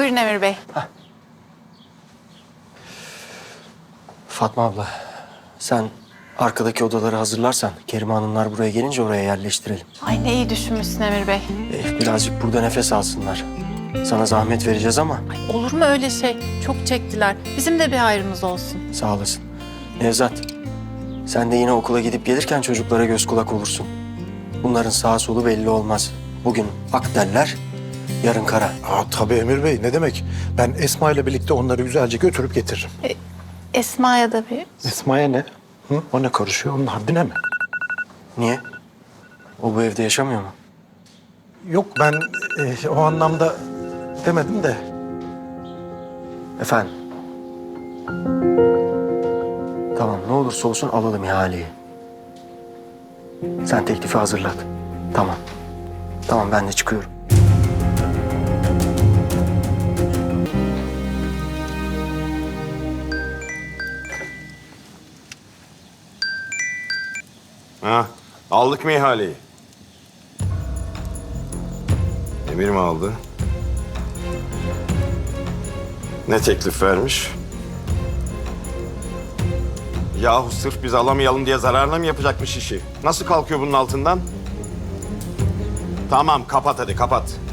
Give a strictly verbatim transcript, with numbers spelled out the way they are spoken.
Buyurun Emir Bey. Fatma abla, sen arkadaki odaları hazırlarsan Kerime Hanımlar buraya gelince oraya yerleştirelim. Ay ne iyi düşünmüşsün Emir Bey. Ee, birazcık burada nefes alsınlar. Sana zahmet vereceğiz ama Ay, olur mu öyle şey? Çok çektiler. Bizim de bir hayrımız olsun. sağ olasın. Nevzat, sen de yine okula gidip gelirken çocuklara göz kulak olursun. Bunların sağ solu belli olmaz. Bugün ak derler, yarın kara. Aa, tabii Emir Bey, ne demek? Ben Esma ile birlikte onları güzelce götürüp getiririm. Esma'ya da bir... Esma'ya ne? Hı? O ne karışıyor? Onun haddine mi? Niye? O bu evde yaşamıyor mu? Yok, ben e, o anlamda demedim de. Efendim? Tamam, ne olursa olsun alalım ihaleyi. Sen teklifi hazırlat. Tamam. Tamam, ben de çıkıyorum. Ha, aldık mı ihaleyi? Emir mi aldı? Ne teklif vermiş? Yahu sırf biz alamayalım diye zararla mı yapacakmış işi? Nasıl kalkıyor bunun altından? Tamam, kapat hadi, kapat.